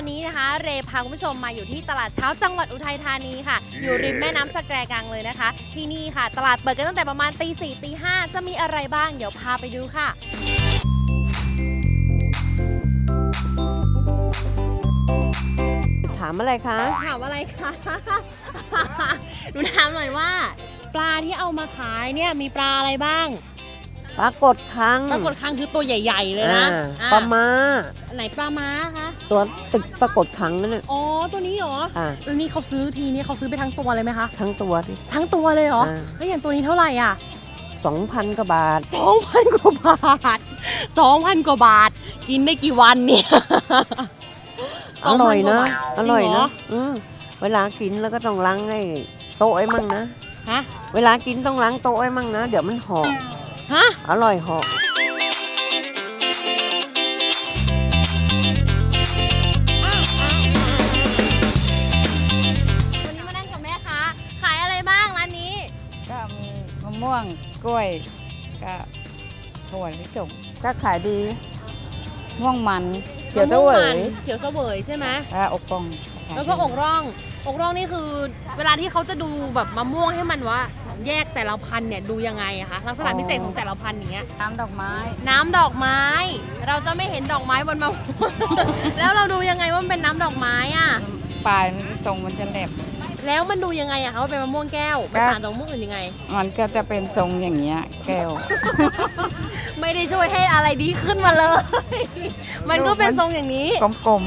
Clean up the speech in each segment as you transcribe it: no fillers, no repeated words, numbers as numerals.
วันนี้นะคะเรพาคุณผู้ชมมาอยู่ที่ตลาดเช้าจังหวัดอุทัยธานีค่ะอยู่ริมแม่น้ำสะแกกังเลยนะคะที่นี่ค่ะตลาดเปิดกันตั้งแต่ประมาณตี 4 ตี 5จะมีอะไรบ้างเดี๋ยวพาไปดูค่ะถามอะไรคะถามอะไรคะ หนูถามหน่อยว่าปลาที่เอามาขายเนี่ยมีปลาอะไรบ้างปรากฏคังคือตัวใหญ่ๆเลยนะปลาม้าไหนปลาม้าคะตัวตึกปรากฏคังนั่นน่ะอ๋อตัวนี้เหรอแล้วนี่เขาซื้อทีนี้เขาซื้อไปทั้งตัวเลยไหมคะทั้งตัวสิทั้งตัวเลยเหรอแล้วอย่างตัวนี้เท่าไหร่อ่ะ 2,000 กว่าบาท 2,000 กว่าบาท2,000 กว่าบาทกินได้กี่วันเนี่ยอร่อยนะอร่อยนะเวลากินแล้วก็ต้องล้างให้โต๊ะไอ้มั่งนะฮะเวลากินต้องล้างโต๊ะไอ้มั่งนะเดี๋ยวมันหอมฮะอร่อยหอมวันนี้มานั่งกับแม่ค้าขายอะไรบ้างร้านนี้ก็มีมะม่วงกล้วยก็ถั่วลิสงก็ขายดีม่วงมันเขียวเสวยใช่ไหมอกปองแล้วก็อกร่องนี่คือเวลาที่เขาจะดูแบบมะม่วงให้มันว่าแยกแต่ละพันธุ์เนี่ยดูยังไงอะคะลักษณะพิเศษของแต่ละพันธุ์อย่างเงี้ยน้ำดอกไม้เราจะไม่เห็นดอกไม้บนมะม่วง แล้วเราดูยังไงว่ามันเป็นน้ำดอกไม้อะปลายตรงมันจะแหลมแล้วมันดูยังไงอะคะว่าเป็นมะม่วงแก้วเป็นต่างจากมะม่วงอื่นยังไงมันก็จะเป็นทรงอย่างเงี้ยแก้วไม่ได้ช่วยให้อะไรดีขึ้นมาเลย มันก็เป็นทรงอย่างนี้กลม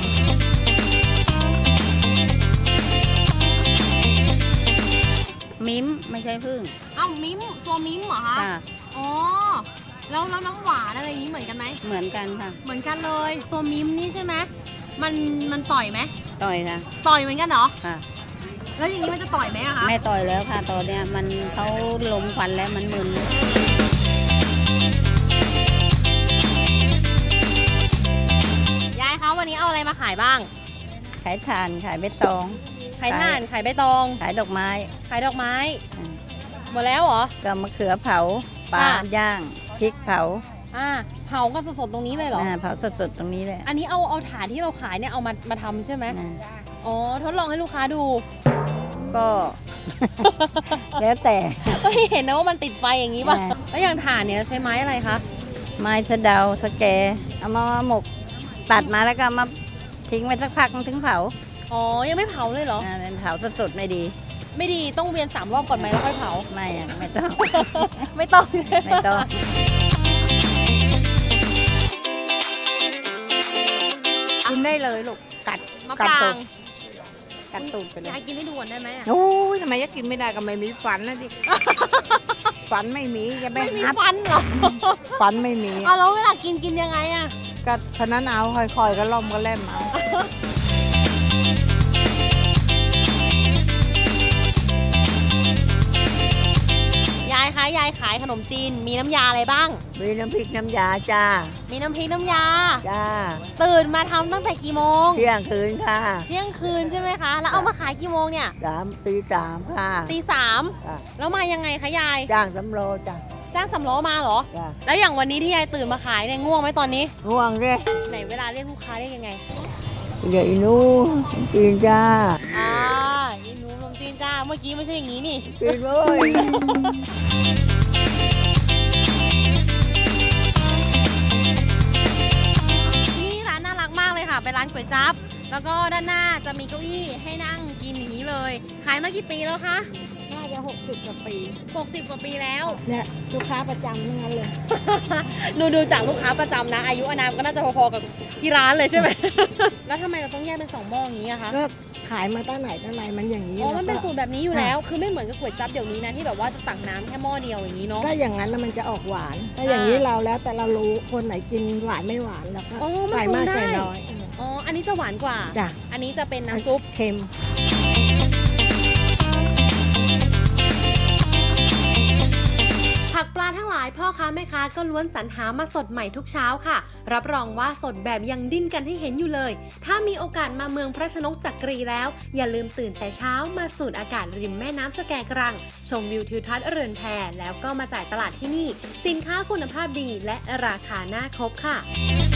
มิ้มไม่ใช่พึ่งมิ้มตัวมิ้มเหรอคะอ๋อแล้วน้ำหวานอะไรอย่างนี้เหมือนกันไหมเหมือนกันค่ะเหมือนกันเลยตัวมิ้มนี่ใช่ไหมมันต่อยไหมต่อยค่ะต่อยเหมือนกันเหรอค่ะแล้วอย่างนี้มันจะต่อยไหมอะคะไม่ต่อยแล้วค่ะตอนเนี้ยมันเขาลมควันแล้วมันมึนยายคะวันนี้เอาอะไรมาขายบ้างขายถ่านขายใบตองขายถ่านขายใบตองขายดอกไม้หมดแล้วเหรอก็มะเขือเผาปลาย่างพริกเผาเผาก็สดๆตรงนี้เลยเหรอเผาสดๆตรงนี้เลยอันนี้เอาถ่านที่เราขายเนี่ยเอามาทำใช่ไหมอ๋อทดลองให้ลูกค้าดูก็ แล้วแต่ก็เห็นนะว่ามันติดไฟอย่างนี้ป่ะแล้วอย่างถ่านเนี่ยใช้ไม้อะไรคะไม้สะเดาสแกเอามาหมกตัดมาแล้วก็มาทิ้งไว้สักพักถึงเผาอ๋อยังไม่เผาเลยเหรอเผาสดๆไม่ดีต้องเวียน3 รอบก่อนไหมแล้วค่อยเผาไม่ต้องไม่ต้องกินได้เลยลูกกัดมะปรางกัดตูดไปเลยยายกินให้ดูได้ไหมโอ้ยทำไมจะกินไม่ได้ก็ไม่มีฟันนะดิฟันไม่มีจะไม่มีฟันเหรอฟันไม่มีแล้วเวลากินยังไงอะก็พนันเอาค่อยๆก็ล่อมก็เล่มเอายายคะยายขายขนมจีนมีน้ำยาอะไรบ้างมีน้ำพริกน้ำยาจ้ามีน้ำพริกน้ำยาจ้าตื่นมาทำตั้งแต่กี่โมงเที่ยงคืนค่ะเที่ยงคืนใช่ไหมคะแล้วเอามาขายกี่โมงเนี่ยตี 3ค่ะตี 3แล้วมายังไงคะยายจ้างสำโรจ้าจ้างสำล้อมาเหรอแล้วอย่างวันนี้ที่ยายตื่นมาขายเนี่ยง่วงไหมตอนนี้ง่วงสิไหนเวลาเรียกลูกค้าเรียกยังไงเดี๋ยวอีนูจีนจ้าอีนูลมจีนจ้าเมื่อกี้ไม่ใช่อย่างนี้นี่จีนเลยนี่ร้านน่ารักมากเลยค่ะเป็นร้านก๋วยจั๊บแล้วก็ด้านหน้าจะมีเก้าอี้ให้นั่งกินอย่างนี้เลยขายมากี่ปีแล้วคะน่าจะ60 กว่าปี 60 กว่าปีแล้วเนี่ยลูกค้าประจำทั้งนั้นเลยดูจากลูกค้าประจำนะอายุอานามก็น่าจะพอๆกับที่ร้านเลยใช่ไหม แล้วทำไมเราต้องแยกเป็น2 หม้ออย่างนี้อะคะก็ขายมาตั้งไหนมันอย่างนี้มันเป็นสูตรแบบนี้อยู่แล้วคือไม่เหมือนกับก๋วยจั๊บเดี๋ยวนี้นะที่แบบว่าจะตักน้ำแค่หม้อเดียวอย่างนี้เนาะถ้าอย่างนั้นมันจะออกหวานถ้าอย่างนี้เราแล้วแต่เรารู้คนไหนกินหวานไม่หวานแล้วก็ใส่มากใส่น้อยอันนี้จะหวานกว่าจ้ะอันนี้จะเป็นน้ำซุปเค็มผักปลาทั้งหลายพ่อค้าแม่ค้าก็ล้วนสรรหามาสดใหม่ทุกเช้าค่ะรับรองว่าสดแบบยังดิ้นกันให้เห็นอยู่เลยถ้ามีโอกาสมาเมืองพระชนกจักรีแล้วอย่าลืมตื่นแต่เช้ามาสูดอากาศริมแม่น้ำสะแกกรังชมวิวทิวทัศน์เรือนแพแล้วก็มาจ่ายตลาดที่นี่สินค้าคุณภาพดีและราคาน่าคบค่ะ